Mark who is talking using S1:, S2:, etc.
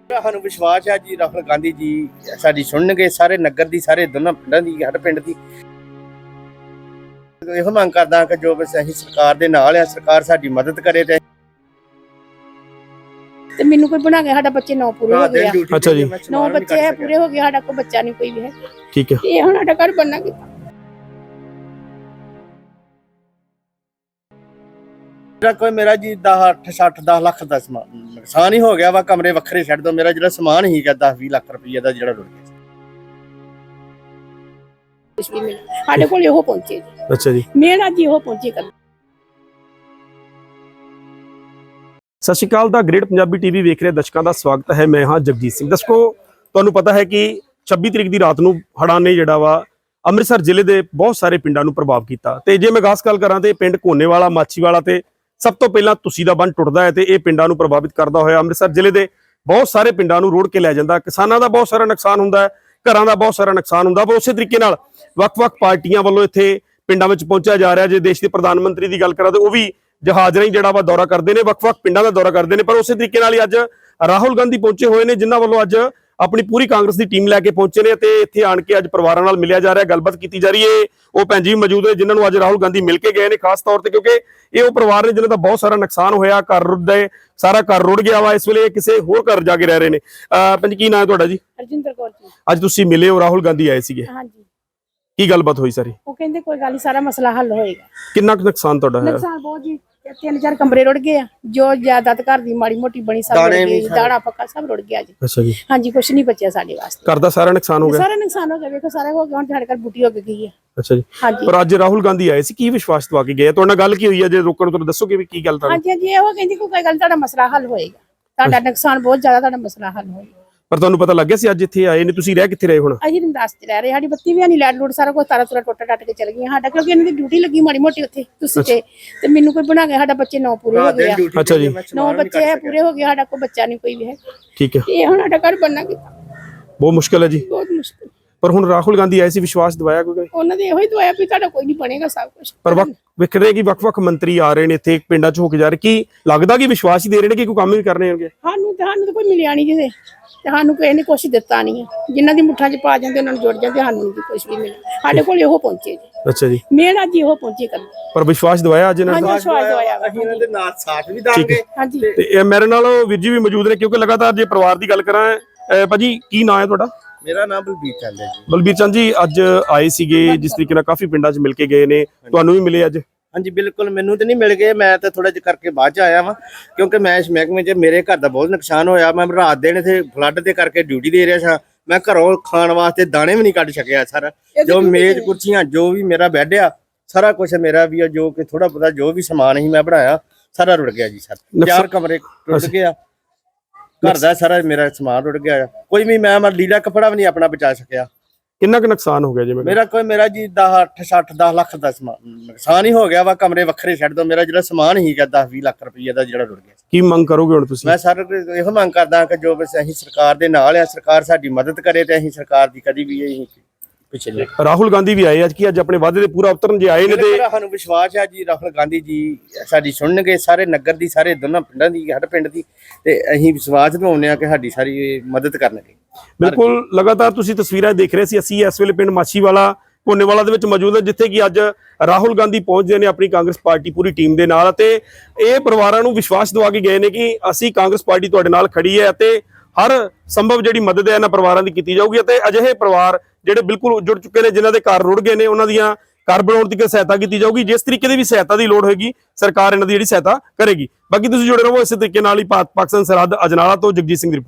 S1: ਸਾਨੂੰ ਵਿਸ਼ਵਾਸ ਹੈ ਜੀ ਰਾਹੁਲ ਗਾਂਧੀ ਜੀ ਸਾਡੀ ਸੁਣਨਗੇ, ਸਾਰੇ ਨਗਰ ਦੀ, ਸਾਰੇ ਦੋਨਾਂ ਪਿੰਡਾਂ ਦੀ, ਹਰ ਪਿੰਡ ਦੀ। ਇਹੋ ਮੰਗ ਕਰਦਾ ਕਿ ਜੋ ਬਸ ਅਸੀਂ ਸਰਕਾਰ ਦੇ ਨਾਲ ਆ, ਸਰਕਾਰ ਸਾਡੀ ਮਦਦ ਕਰੇ ਤੇ
S2: ਮੈਨੂੰ ਕੋਈ ਬਣਾ ਕੇ ਸਾਡਾ ਬੱਚੇ 9 ਪੂਰੇ ਹੋ ਗਏ ਆ।
S3: ਅੱਛਾ ਜੀ।
S2: 9 ਬੱਚੇ ਹੈ ਪੂਰੇ ਹੋ ਗਏ, ਸਾਡਾ ਕੋਈ ਬੱਚਾ ਨਹੀਂ ਕੋਈ ਵੀ ਹੈ।
S3: ਠੀਕ ਹੈ।
S2: ਇਹ ਹੁਣ ਸਾਡਾ ਘਰ ਬਣਨਾ ਕਿੱਦਾਂ?
S1: ਕੋਈ ਮੇਰਾ ਜੀ 10 ਲੱਖ ਦਾ ਨੁਕਸਾਨ ਹੀ ਹੋ ਗਿਆ ਵਾ। ਕਮਰੇ ਵੱਖਰੇ ਛੱਡ ਦੋ, ਮੇਰਾ ਜਿਹੜਾ ਸਮਾਨ ਹੀਗਾ 10-20 ਲੱਖ ਰੁਪਏ ਦਾ ਜਿਹੜਾ ਰੁੜ ਗਿਆ।
S2: ਸਾਡੇ ਕੋਲ ਇਹੋ ਪਹੁੰਚੇ।
S3: ਅੱਛਾ ਜੀ।
S2: ਮੇਰਾ ਜੀ ਇਹੋ ਪਹੁੰਚੇ ਕਰ।
S3: ਸਤਿ ਸ਼੍ਰੀ ਅਕਾਲ ਦਾ ਗ੍ਰੇਟ ਪੰਜਾਬੀ ਟੀਵੀ ਵੇਖ ਰਹੇ ਦਰਸ਼ਕਾਂ ਦਾ ਸਵਾਗਤ ਹੈ। ਮੈਂ ਹਾਂ ਜਗਜੀਤ ਸਿੰਘ। ਦਰਸ਼ਕੋ, ਤੁਹਾਨੂੰ ਪਤਾ ਹੈ ਕਿ 26 ਤਰੀਕ ਦੀ ਰਾਤ ਨੂੰ ਹੜ੍ਹਾਂ ਨੇ ਜਿਹੜਾ ਵਾ ਅੰਮ੍ਰਿਤਸਰ ਜ਼ਿਲ੍ਹੇ ਦੇ ਬਹੁਤ ਸਾਰੇ ਪਿੰਡਾਂ ਨੂੰ ਪ੍ਰਭਾਵ ਕੀਤਾ। ਤੇ ਜੇ ਮੈਂ ਖਾਸ ਗੱਲ ਕਰਾਂ ਤੇ ਪਿੰਡ ਕੋਨੇਵਾਲਾ, ਮਾਛੀਵਾਲਾ ਤੇ ਸਭ ਤੋਂ ਪਹਿਲਾਂ ਤੁਸੀਂ ਦਾ ਬੰਨ ਟੁੱਟਦਾ ਹੈ ਤੇ ਇਹ ਪਿੰਡਾਂ ਨੂੰ ਪ੍ਰਭਾਵਿਤ ਕਰਦਾ ਹੋਇਆ ਅੰਮ੍ਰਿਤਸਰ ਜ਼ਿਲ੍ਹੇ ਦੇ ਬਹੁਤ ਸਾਰੇ ਪਿੰਡਾਂ ਨੂੰ ਰੋੜ ਕੇ ਲੈ ਜਾਂਦਾ। ਕਿਸਾਨਾਂ ਦਾ ਬਹੁਤ ਸਾਰਾ ਨੁਕਸਾਨ ਹੁੰਦਾ ਹੈ, ਘਰਾਂ ਦਾ ਬਹੁਤ ਸਾਰਾ ਨੁਕਸਾਨ ਹੁੰਦਾ। ਪਰ ਉਸੇ ਤਰੀਕੇ ਨਾਲ ਵੱਖ-ਵੱਖ ਪਾਰਟੀਆਂ ਵੱਲੋਂ ਇੱਥੇ ਪਿੰਡਾਂ ਵਿੱਚ ਪਹੁੰਚਿਆ ਜਾ ਰਿਹਾ। ਜੇ ਦੇਸ਼ ਦੇ ਪ੍ਰਧਾਨ ਮੰਤਰੀ ਦੀ ਗੱਲ ਕਰਾਂ ਤੇ ਉਹ ਵੀ ਜਹਾਜ਼ ਰਾਹੀਂ ਜਿਹੜਾ ਵਾ ਦੌਰਾ ਕਰਦੇ ਨੇ, ਵੱਖ-ਵੱਖ ਪਿੰਡਾਂ ਦਾ ਦੌਰਾ ਕਰਦੇ ਨੇ। ਪਰ ਉਸੇ ਤਰੀਕੇ ਨਾਲ ਹੀ ਅੱਜ ਰਾਹੁਲ ਗਾਂਧੀ ਪਹੁੰਚੇ ਹੋਏ ਨੇ, ਜਿਨ੍ਹਾਂ ਵੱਲੋਂ ਅੱਜ ਆਪਣੀ ਪੂਰੀ ਕਾਂਗਰਸ ਦੀ ਟੀਮ ਲੈ ਕੇ ਪਹੁੰਚੇ ਨੇ ਤੇ ਇੱਥੇ ਆਣ ਕੇ ਅੱਜ ਪਰਿਵਾਰਾਂ ਨਾਲ ਮਿਲਿਆ ਜਾ ਰਿਹਾ, ਗੱਲਬਾਤ ਕੀਤੀ ਜਾ ਰਹੀ ਹੈ। ਉਹ ਭੈਣ ਜੀ ਮੌਜੂਦ ਨੇ ਜਿਨ੍ਹਾਂ ਨੂੰ ਅੱਜ ਰਾਹੁਲ ਗਾਂਧੀ ਮਿਲ ਕੇ ਗਏ ਨੇ, ਖਾਸ ਤੌਰ ਤੇ ਕਿਉਂਕਿ ਇਹ ਉਹ ਪਰਿਵਾਰ ਨੇ ਜਿਨ੍ਹਾਂ ਦਾ ਬਹੁਤ ਸਾਰਾ ਨੁਕਸਾਨ ਹੋਇਆ, ਸਾਰਾ ਘਰ ਰੁੜ ਗਿਆ ਵਾ। ਇਸ ਵੇਲੇ ਕਿਸੇ ਹੋਰ ਘਰ ਜਾ ਕੇ ਰਹਿ ਰਹੇ ਨੇ। ਭੈਣ ਜੀ, ਕੀ ਨਾਮ ਹੈ ਤੁਹਾਡਾ ਜੀ?
S2: ਅਰਜਿੰਦਰ ਕੌਰ ਜੀ।
S3: ਅੱਜ ਤੁਸੀਂ ਮਿਲੇ ਹੋ, ਰਾਹੁਲ ਗਾਂਧੀ ਆਏ ਸੀਗੇ,
S2: ਹਾਂਜੀ।
S3: ਕੀ ਗੱਲਬਾਤ ਹੋਈ ਸਾਰੀ?
S2: ਉਹ ਕਹਿੰਦੇ ਕੋਈ ਗੱਲ ਨਹੀਂ, ਸਾਰਾ ਮਸਲਾ ਹੱਲ ਹੋਏਗਾ।
S3: ਕਿੰਨਾ ਕੁ ਨੁਕਸਾਨ ਤੁਹਾਡਾ ਹੈ?
S2: ਨੁਕਸਾਨ ਬਹੁਤ ਜੀ, 3-4 ਕਮਰੇ ਰੁੜ ਗਏ ਆ। ਜੋ ਜਾਇਦਾਦ ਘਰ ਦੀ ਮਾੜੀ ਮੋਟੀ ਬਣੀ ਸਭ ਰੁੜ ਗਈ, ਦਾਣਾ ਪੱਕਾ ਸਭ ਰੁੜ ਗਿਆ ਜੀ।
S3: ਅੱਛਾ ਜੀ।
S2: ਹਾਂਜੀ, ਕੁਛ ਨਹੀਂ ਬਚਿਆ ਸਾਡੇ ਵਾਸਤੇ।
S3: ਘਰ ਦਾ ਸਾਰਾ ਨੁਕਸਾਨ ਹੋ ਗਿਆ?
S2: ਸਾਰਾ ਨੁਕਸਾਨ ਹੋ ਗਿਆ, ਵੇਖੋ ਸਾਰਾ ਹੋ ਗਿਆ। ਹੁਣ ਸਾਡੇ ਘਰ ਬੂਟੀ ਹੋ ਗਈ ਹੈ।
S3: ਅੱਛਾ ਜੀ।
S2: ਹਾਂਜੀ।
S3: ਪਰ ਅੱਜ ਰਾਹੁਲ ਗਾਂਧੀ ਆਏ ਸੀ, ਕੀ ਵਿਸ਼ਵਾਸ ਦਵਾ ਕੇ ਗਏ? ਤੁਹਾਡੇ ਨਾਲ ਗੱਲ ਕੀ ਹੋਈ ਹੈ? ਜੇ ਰੋਕਣ ਤੋਂ ਦੱਸੋਗੇ ਵੀ ਕੀ ਗੱਲ ਤਾਂ?
S2: ਹਾਂਜੀ ਹਾਂਜੀ, ਇਹੋ ਕਹਿੰਦੀ ਕੋਈ ਗੱਲ, ਤੁਹਾਡਾ ਮਸਲਾ ਹੱਲ ਹੋਏਗਾ। ਤੁਹਾਡਾ ਨੁਕਸਾਨ ਬਹੁਤ ਜ਼ਿਆਦਾ, ਤੁਹਾਡਾ ਮਸਲਾ ਹੱਲ ਹੋਏਗਾ।
S3: ਪਰ ਤੁਹਾਨੂੰ ਪਤਾ ਲੱਗ ਗਿਆ ਸੀ ਅੱਜ ਇੱਥੇ ਆਏ ਨੇ? ਤੁਸੀਂ ਰਹਿ ਕਿੱਥੇ ਰਹੇ ਹੁਣ?
S2: ਅਸੀਂ ਰਮਦਾਸ ਚ ਰਹਿ ਰਹੇ, ਸਾਡੀ ਬੱਤੀ ਵੀ ਨਹੀਂ, ਲਾਈਟ ਲੂਟ ਸਾਰਾ ਕੁਝ ਤਾਰਾ ਤੁਰਾ ਟੁੱਟ ਟੱਟ ਕੇ ਚਲ ਗਈਆਂ ਸਾਡਾ, ਕਿਉਂਕਿ ਇਹਨਾਂ ਦੀ ਡਿਊਟੀ ਲੱਗੀ ਮਾੜੀ ਮੋਟੀ ਉੱਥੇ ਤੁਸੀਂ ਤੇ ਮੈਨੂੰ ਕੋਈ ਬਣਾ ਕੇ ਸਾਡਾ ਬੱਚੇ 9 ਪੂਰੇ ਹੋ ਗਏ ਆ।
S3: ਅੱਛਾ ਜੀ।
S2: 9 ਬੱਚੇ ਹੈ ਪੂਰੇ ਹੋ ਗਏ, ਸਾਡਾ ਕੋਈ ਬੱਚਾ ਨਹੀਂ ਕੋਈ ਵੀ ਹੈ।
S3: ਠੀਕ ਹੈ।
S2: ਇਹ ਹੁਣ ਸਾਡਾ ਘਰ ਬਣਨਾ ਕਿੱਦਾਂ?
S3: ਬਹੁਤ ਮੁਸ਼ਕਿਲ ਹੈ ਜੀ।
S2: ਬਹੁਤ ਮੁਸ਼ਕਿਲ।
S3: ਪਰ ਹੁਣ ਰਾਹੁਲ ਗਾਂਧੀ ਆਏ ਸੀ, ਵਿਸ਼ਵਾਸ ਦਿਵਾਇਆ ਕੋਈ?
S2: ਉਹਨਾਂ ਦੇ ਇਹੋ ਹੀ ਦਵਾਇਆ ਵੀ ਤੁਹਾਡਾ ਕੋਈ ਨਹੀਂ ਬਣੇਗਾ ਸਭ ਕੁਝ।
S3: ਪਰ ਵਿਖ ਰਹੇ ਕਿ ਵੱਖ-ਵੱਖ ਮੰਤਰੀ ਆ ਰਹੇ ਨੇ ਇੱਥੇ ਪਿੰਡਾਂ 'ਚ ਹੋ ਕੇ ਜਾ ਰਹੇ, ਕੀ ਲੱਗਦਾ ਕਿ ਵਿਸ਼ਵਾਸ ਹੀ ਦੇ ਰਹੇ ਨੇ ਕਿ ਕੋਈ ਕੰਮ ਵੀ ਕਰਨੇ ਹੋਣਗੇ?
S2: ਸਾਨੂੰ ਤਾਂ ਕੋਈ ਮਿਲਿਆ ਨਹੀਂ ਜਿਹਦੇ ਤੇ ਸਾਨੂੰ ਕਿਸੇ ਨੇ ਕੁਛ ਦਿੱਤਾ ਨਹੀਂ ਹੈ। ਜਿਨ੍ਹਾਂ ਦੀ ਮੁੱਠਾਂ 'ਚ ਪਾ ਜਾਂਦੇ ਉਹਨਾਂ ਨੂੰ ਜੁੜ ਜਾਂਦੇ, ਸਾਨੂੰ ਨਹੀਂ ਕੁਛ ਵੀ ਮਿਲਿਆ। ਸਾਡੇ ਕੋਲ ਇਹੋ ਪਹੁੰਚੇ ਜੀ।
S3: ਅੱਛਾ ਜੀ।
S2: ਮੇਰਾ ਜੀ ਇਹੋ ਪਹੁੰਚੇ ਕਰ।
S3: ਪਰ ਵਿਸ਼ਵਾਸ ਦਿਵਾਇਆ ਅੱਜ ਇਹਨਾਂ ਨੇ?
S2: ਵਿਸ਼ਵਾਸ ਦਵਾਇਆ।
S1: ਅਸੀਂ ਇਹਨਾਂ ਦੇ ਨਾਲ ਸਾਥ ਵੀ ਦਾਂਗੇ।
S2: ਹਾਂਜੀ।
S3: ਤੇ ਇਹ ਮੇਰੇ ਨਾਲ ਵੀਰ ਜੀ ਵੀ ਮੌਜੂਦ ਨੇ, ਕਿਉਂਕਿ ਲਗਾਤਾਰ ਜੇ ਪਰਿਵਾਰ ਦੀ ਗੱਲ ਕਰਾਂ। ਭਾਜੀ, ਕੀ ਨਾਂ ਹੈ ਤੁਹਾਡਾ?
S1: ਮੇਰਾ ਨਾਮ ਬਲਬੀਰ ਚੰਦ ਹੈ ਜੀ।
S3: ਬਲਬੀਰ ਚੰਦ ਜੀ, ਅੱਜ ਆਏ ਸੀਗੇ, ਜਿਸ ਤਰੀਕੇ ਨਾਲ ਕਾਫੀ ਪਿੰਡਾਂ 'ਚ ਮਿਲ ਕੇ ਗਏ ਨੇ, ਤੁਹਾਨੂੰ ਵੀ ਮਿਲੇ ਅੱਜ?
S1: ਹਾਂਜੀ ਬਿਲਕੁਲ, ਮੈਨੂੰ ਤੇ ਨਹੀਂ ਮਿਲ ਗਏ, ਮੈਂ ਤਾਂ ਥੋੜਾ ਜਿਹਾ ਕਰਕੇ ਬਾਅਦ ਚ ਆਇਆ ਵਾਂ, ਕਿਉਂਕਿ ਮੈਂ ਇਸ ਮਹਿਕਮੇ 'ਚ ਮੇਰੇ ਘਰ ਦਾ ਬਹੁਤ ਨੁਕਸਾਨ ਹੋਇਆ। ਮੈਂ ਰਾਤ ਦਿਨ ਇੱਥੇ ਫਲੱਡ ਦੇ ਕਰਕੇ ਡਿਊਟੀ ਦੇ ਰਿਹਾ ਸਾਂ। ਮੈਂ ਘਰੋਂ ਖਾਣ ਵਾਸਤੇ ਦਾਣੇ ਵੀ ਨਹੀਂ ਕੱਢ ਸਕਿਆ। ਸਾਰਾ ਜੋ ਮੇਜ਼ ਕੁਰਸੀਆਂ, ਜੋ ਵੀ ਮੇਰਾ ਬੈੱਡ ਆ, ਸਾਰਾ ਕੁਝ ਮੇਰਾ ਵੀ ਆ, ਜੋ ਕਿ ਥੋੜਾ ਬਹੁਤਾ ਜੋ ਵੀ ਸਮਾਨ ਸੀ ਮੈਂ ਬਣਾਇਆ, ਸਾਰਾ ਰੁੜ ਗਿਆ ਜੀ। ਸਰ 4 ਕਮਰੇ ਰੁੜ ਗਏ ਆ, ਘਰ ਦਾ ਸਾਰਾ ਮੇਰਾ ਸਮਾਨ ਰੁੜ ਗਿਆ। ਕੋਈ ਵੀ ਮੈਂ ਲੀੜਾ ਕੱਪੜਾ ਵੀ ਨਹੀਂ ਆਪਣਾ ਬਚਾ ਸਕਿਆ।
S3: ਕਿੰਨਾ ਕੁ ਨੁਕਸਾਨ ਹੋ ਗਿਆ ਜੀ?
S1: ਮੇਰਾ ਜੀ 10 ਲੱਖ ਦਾ ਨੁਕਸਾਨ ਹੀ ਹੋ ਗਿਆ ਵਾ। ਕਮਰੇ ਵੱਖਰੇ ਛੱਡ ਦੋ, ਮੇਰਾ ਜਿਹੜਾ ਸਮਾਨ ਹੀਗਾ 10-20 ਲੱਖ ਰੁਪਏ ਦਾ ਜਿਹੜਾ ਰੁੜ ਗਿਆ।
S3: ਕੀ ਮੰਗ ਕਰੋਗੇ ਹੁਣ ਤੁਸੀਂ?
S1: ਮੈਂ ਸਰ ਇਹੋ ਮੰਗ ਕਰਦਾ ਕਿ ਜੋ ਬਸ ਅਸੀਂ ਸਰਕਾਰ ਦੇ ਨਾਲ ਆ, ਸਰਕਾਰ ਸਾਡੀ ਮਦਦ ਕਰੇ ਤੇ ਅਸੀਂ ਸਰਕਾਰ ਦੀ ਕਦੀ ਵੀ ਅਸੀਂ ਪਿੱਛੇ ਨਹੀਂ।
S3: ਰਾਹੁਲ ਗਾਂਧੀ ਵੀ ਆਏ ਅੱਜ, ਕੀ ਅੱਜ ਆਪਣੇ ਵਾਅਦੇ ਦੇ ਪੂਰਾ ਉਤਰਨ ਜੇ ਆਏ ਨੇ? ਤੇ
S1: ਸਾਨੂੰ ਵਿਸ਼ਵਾਸ ਹੈ ਜੀ ਰਾਹੁਲ ਗਾਂਧੀ ਜੀ ਸਾਡੀ ਸੁਣਨਗੇ, ਸਾਰੇ ਨਗਰ ਦੀ, ਸਾਰੇ ਦੋਨਾਂ ਪਿੰਡਾਂ ਦੀ, ਹਰ ਪਿੰਡ ਦੀ। ਤੇ ਅਸੀਂ ਵਿਸ਼ਵਾਸ ਦਿਵਾਉਂਦੇ ਆ ਕਿ ਸਾਡੀ ਸਾਰੀ ਮਦਦ ਕਰਨਗੇ।
S3: ਬਿਲਕੁਲ, ਲਗਾਤਾਰ ਤੁਸੀਂ ਤਸਵੀਰਾਂ ਦੇਖ ਰਹੇ ਸੀ। ਅਸੀਂ ਇਸ ਵੇਲੇ ਪਿੰਡ ਮਾਛੀਵਾਲਾ, ਕੋਨੇਵਾਲਾ ਦੇ ਵਿੱਚ ਮੌਜੂਦ ਹਾਂ, ਜਿੱਥੇ ਕਿ ਅੱਜ ਰਾਹੁਲ ਗਾਂਧੀ ਪਹੁੰਚਦੇ ਨੇ ਆਪਣੀ ਕਾਂਗਰਸ ਪਾਰਟੀ ਪੂਰੀ ਟੀਮ ਦੇ ਨਾਲ। ਅਤੇ ਇਹ ਪਰਿਵਾਰਾਂ ਨੂੰ ਵਿਸ਼ਵਾਸ ਦਿਵਾ ਕੇ ਗਏ ਨੇ ਕਿ ਅਸੀਂ ਕਾਂਗਰਸ ਪਾਰਟੀ ਤੁਹਾਡੇ ਨਾਲ ਖੜੀ ਹੈ ਅਤੇ ਹਰ ਸੰਭਵ ਜਿਹੜੀ ਮਦਦ ਹੈ ਇਹਨਾਂ ਪਰਿਵਾਰਾਂ ਦੀ ਕੀਤੀ ਜਾਊਗੀ। ਅਤੇ ਅਜਿਹੇ ਪਰਿਵਾਰ ਜਿਹੜੇ ਬਿਲਕੁਲ ਜੁੜ ਚੁੱਕੇ ਨੇ, ਜਿਨ੍ਹਾਂ ਦੇ ਘਰ ਰੁੜ ਗਏ ਨੇ, ਉਹਨਾਂ ਦੀਆਂ ਘਰ ਬਣਾਉਣ ਦੀ ਸਹਾਇਤਾ ਕੀਤੀ ਜਾਊਗੀ। ਜਿਸ ਤਰੀਕੇ ਦੀ ਵੀ ਸਹਾਇਤਾ ਦੀ ਲੋੜ ਹੋਏਗੀ, ਸਰਕਾਰ ਇਹਨਾਂ ਦੀ ਜਿਹੜੀ ਸਹਾਇਤਾ ਕਰੇਗੀ। ਬਾਕੀ ਤੁਸੀਂ ਜੁੜੇ ਰਹੋ ਇਸੇ ਤਰੀਕੇ ਨਾਲ ਹੀ। ਪਾਕਿਸਤਾਨ ਸਰਹੱਦ ਅਜਨਾਲਾ ਤੋਂ ਜਗਜੀਤ ਸਿੰਘ ਦੀ ਰਿਪੋਰਟ।